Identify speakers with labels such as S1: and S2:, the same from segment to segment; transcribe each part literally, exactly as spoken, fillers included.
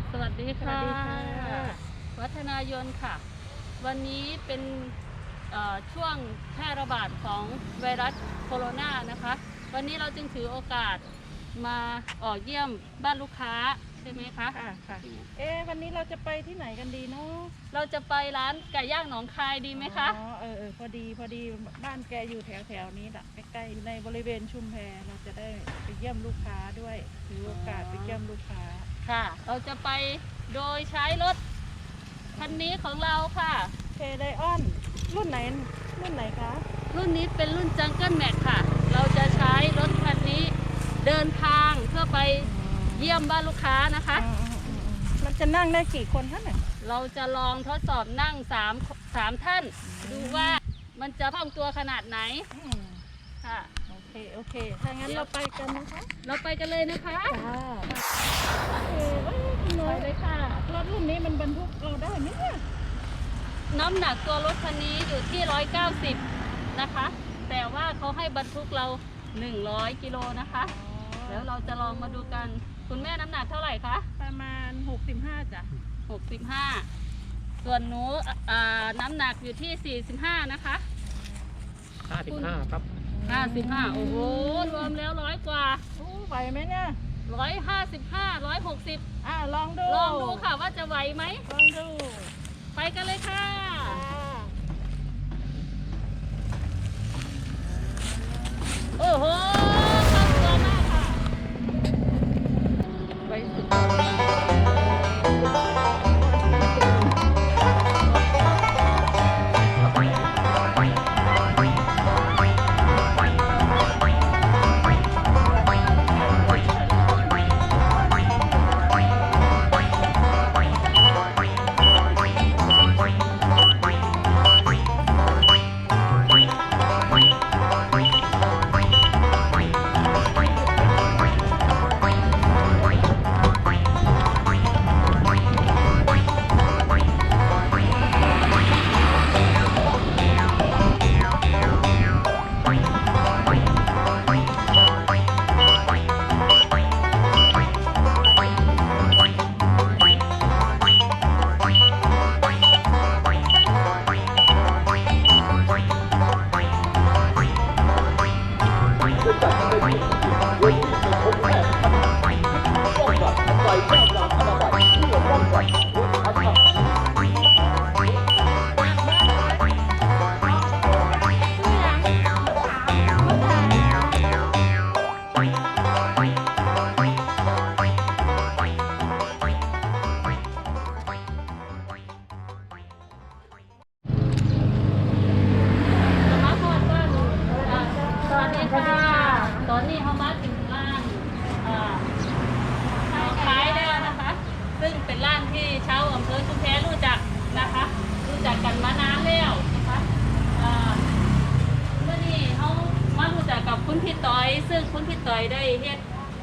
S1: สวัสดีค่ะวัฒนายนค่ะวันนี้เป็นช่วงแพร่ระบาดของไวรัสโคโรนานะคะวันนี้เราจึงถือโอกาสมาออกเยี่ยมบ้านลูกค้าใช่ไหมคะ
S2: ค่ะค่ะเอ๊ะวันนี้เราจะไปที่ไหนกันดีเนาะ
S1: เราจะไปร้านไก่ย่างหนองคายดีไหมคะ
S2: อ๋อเออเออพอดีพอดีบ้านแกอยู่แถวแถวนี้แหละใกล้ๆอยู่ในบริเวณชุมแพเราจะได้ไปเยี่ยมลูกค้าด้วยถือโอกาสไปเยี่ยมลูกค้า
S1: ค่ะเราจะไปโดยใช้รถคันนี้ของเราค่ะ
S2: เคไดออนรุ่นไหนรุ่นไหนคะ
S1: รุ่นนี้เป็นรุ่นจังเกิลแม็กค่ะเราจะใช้รถคันนี้เดินทางเพื่อไปเยี่ยมบ้านลูกค้านะคะ
S2: มันจะนั่งได้กี่คนท่านเนี่ย
S1: เราจะลองทดสอบนั่งสามสามท่านดูว่ามันจะคล่องตัวขนาดไหนค่ะ
S2: โอเคโอเคถ้างั้นเราไปกันนะคะ
S1: เราไปกันเลยนะคะ
S2: ค่ะโอเคไปเลยค่ะรถรุ่นนี้มันบรรทุกเราได้ไหมเนี่ย
S1: น้ำหนักตัวรถคันนี้อยู่ที่ร้อยเก้าสิบนะคะแต่ว่าเขาให้บรรทุกเราหนึ่งร้อยกิโลนะคะแล้วเราจะลองมาดูกันคุณแม่น้ำหนักเท่าไหร่คะ
S2: ประมาณหกสิบห้าจ้ะ
S1: หกสิบห้าส่วนหนูน้ำหนักอยู่ที่สี่สิบห้านะคะ
S3: ห้าสิบห้าครับ
S1: ห้าสิบห้าโอ้โหรวมแล้วร้อยกว่า
S2: ไหวไหมเนี่ย
S1: ร้อยห้าสิบห้าร้อยหกสิบ
S2: อ่าลองดู
S1: ลองดูค่ะว่าจะไหวไหม
S2: ลองดู
S1: ไปกันเลยค่ะโอ้โหคล่องตัวมากค่ะไปสุดตอนนี้เขามาถึงร้านขายแล้วนะคะซึ่งเป็นร้านที่ชาวอำเภอชุมแพรู้จักนะคะรู้จักกันมานานแล้วนะคะเมื่อนี้เขามารู้จักกับคุณพี่ต้อยซึ่งคุณพี่ต้อยได้เฮ็ด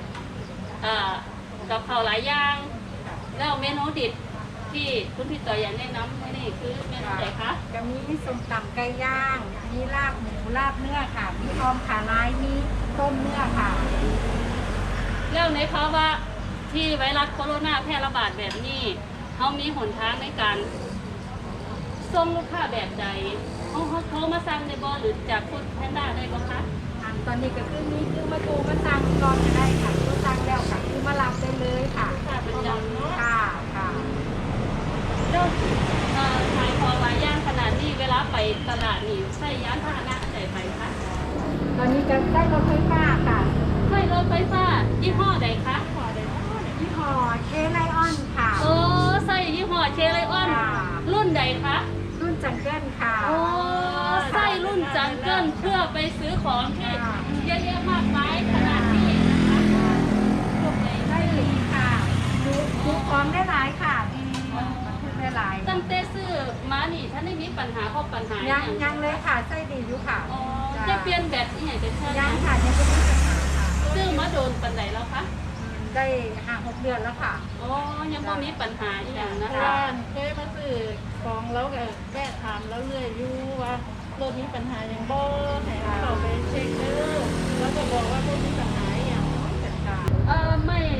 S1: กับข้าวหลายอย่างแล้วเมนูดิบที่คุณพี่ต้อยอยากแนะนำนี่คือเมนูไหนคะ
S4: จะมีส้มตำไก่ย่างมีลาบหมูลาบเนื้อค่ะมีออมขาลายมีต้มเนื้อค่ะ
S1: แล้วในภาวะที่ไวรัสโคโรนาแพร่ระบาดแบบนี้เขามีหนทางในการส่งลูกค้าแบบใดเขาเขาโทรมาสั่งในบอหรือจากฟู้ดแพนด้าได้ก็คะ
S4: ตอนนี้ก็คือมีคือมาโทรมาสั่งก่อนจะได้ค่ะโทรสั่งแล้วค่ะคือมารับได้เลยค่ะ
S1: ค่ะเป็นจำเนาะ
S4: ค่ะค่ะ
S1: แล้วขายของหลายย่างขนาดนี้เวลาไปตลาดนี่ใช้ยานพาหนะอันไหนไปคะ
S4: ตอนนี้ก็ได้รถไฟฟ้าค่ะ
S1: ใช่รถไฟฟ้ายี่ห้อใดคะ
S4: ยี่ห้อเคไลออนค่ะ
S1: โอ้ใส่ยี่ห้อเคไลออนรุ่นใดคะ
S4: รุ่นจังเกิลค่ะ
S1: โอ้ใส่รุ่นจังเกิลเพื่อไปซื้อของที่เยอะแยะมากมายขนาดนี้นะคะ
S4: ได้ดีค่ะดูดูของได้หลายค่ะได้หลาย
S1: ตั้งแต่ซื้อมานี่ท่านได้มีปัญหาข้อปัญหา
S4: ยังยังเลยค่ะใส่ดีอยู่ค่ะ
S1: อ๋อจะเปลี่ยนแบบที่ไหนจะใช่
S4: ยังค่ะยังไม่มีปัญหาค่ะ
S1: ซื้อมาโดนปัญหาแล้วคะ
S4: ได้ห้าหกเดือนแล้วค่ะ
S1: อ๋อยังไม่มีปัญหาอย่างนะคะ
S2: เคยมาซื้อของแล้วก็แวะถามแล้วเรื่อยอยู่ว่ารถมีปัญหาอย่างบ่ให้เราไปเช็คเด้อแล้วก็บอกว่าบ่มีปัญหาอย่าง
S1: เออไม่ปี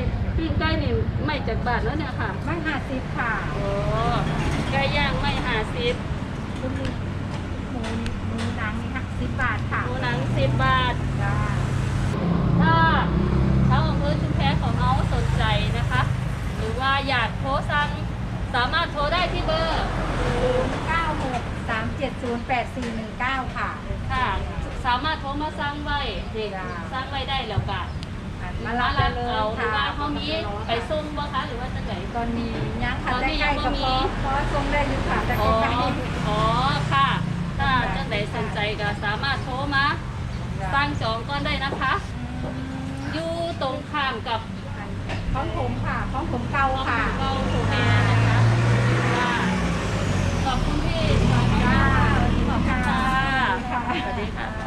S1: ปิ้งไก่นี่ไม่จากบาทแล้วเนี่ยค่ะ
S4: ไม่ห้าสิบค่ะ
S1: โอ้ไก่ย่างไม่หาสิบ
S4: คุณหมูหมูหมูหนังนี่ค่ะสิบบาทค่ะ
S1: หมูหนังสิบบาท
S4: จ้า
S1: ถ้าชาวอำเภอชุมแพของเราสนใจนะคะ หรือว่าอยากโทรสั่งสามารถโทรได้ที่เบอร์
S4: ศูนย์เก้าหกสามเจ็ดศูนย์แปดสี่หนึ่งเก้าค่ะ
S1: ค่ะ สามารถโทรมาสั่งไว้เด็ก
S4: จ้า
S1: สั่งไว้ได้แล้วก็
S4: มารับได้เลย
S1: เอาหรือ
S4: ค่ะ
S1: ว่าเขามีไปส่งบ่คะหรือว่าจะไหน
S4: ตอนนี้ยังค่ะ
S1: ตอนนี้
S4: ใกล้
S1: ยัง
S4: ๆ
S1: บ่
S4: กับ
S1: มี
S4: พอพอทรงได้อยู่ค่ะแต่
S1: อ๋อ
S4: ใกล้
S1: อ๋อค่ะ ถ้าจังไหนสนใจก็สามารถโทรมาสั่งจองก่อนได้นะคะ
S4: ๆ
S1: อยู่ตรงข้ามกับ
S4: ของผมค่ะของผมเก่าค่ะ
S1: เกาโูแม่นะคะค่ะขอบคุณพี่
S4: จ้า
S1: ขอบคุณค่ะ
S4: ค่ะ
S1: สวัสดีค่ะ